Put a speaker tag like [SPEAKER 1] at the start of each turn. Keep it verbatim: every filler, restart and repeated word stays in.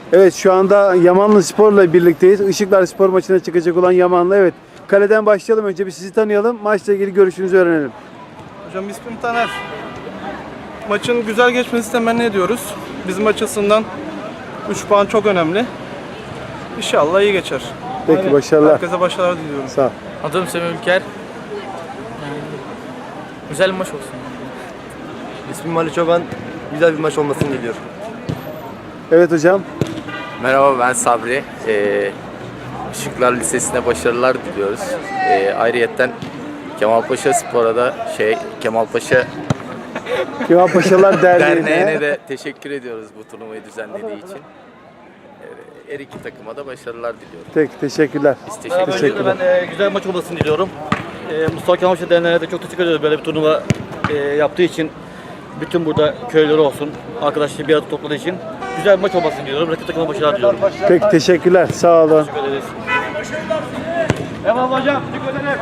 [SPEAKER 1] Evet, şu anda Yamanlı Spor'la birlikteyiz. Işıklar Spor maçına çıkacak olan Yamanlı. Evet. Kaleden başlayalım. Önce bir sizi tanıyalım. Maçla ilgili görüşünüzü öğrenelim.
[SPEAKER 2] Hocam ismim Taner. Maçın güzel geçmesini temenni ediyoruz. Bizim açısından üç puan çok önemli. İnşallah iyi geçer.
[SPEAKER 1] Peki,
[SPEAKER 2] Aynen.
[SPEAKER 1] başarılar.
[SPEAKER 2] Herkese başarılar diliyorum.
[SPEAKER 1] Sağ ol.
[SPEAKER 3] Adım Semih Ülker. Güzel bir maç olsun.
[SPEAKER 4] İsmim Ali Çoban. Güzel bir maç olmasını diliyorum.
[SPEAKER 1] Evet hocam.
[SPEAKER 5] Merhaba, ben Sabri. Ee, Işıklar Lisesi'ne başarılar diliyoruz. Ee, ayrıyetten Kemalpaşa Spor'a da şey Kemalpaşa
[SPEAKER 1] Kemal Paşalar Derneği'ne.
[SPEAKER 5] Derneği'ne de teşekkür ediyoruz bu turnuvayı düzenlediği için. Ee, her iki takıma da başarılar diliyorum.
[SPEAKER 1] Peki, teşekkürler.
[SPEAKER 5] Biz teşekkür
[SPEAKER 6] Merhaba,
[SPEAKER 5] ederiz.
[SPEAKER 1] Teşekkürler.
[SPEAKER 6] öncelikle ben e, güzel bir maç olmasını diliyorum. E, Mustafa Kemal Paşa Derneği'ne de çok teşekkür ediyoruz böyle bir turnuva e, yaptığı için. Bütün burada köyleri olsun, arkadaşları bir arada topladığı için. Güzel bir maç olmasını diliyorum. Rakip takıma başarılar diliyorum.
[SPEAKER 1] Peki, teşekkürler. Sağ olun.
[SPEAKER 6] Teşekkür ederiz. Devam hocam. Teşekkür ederim.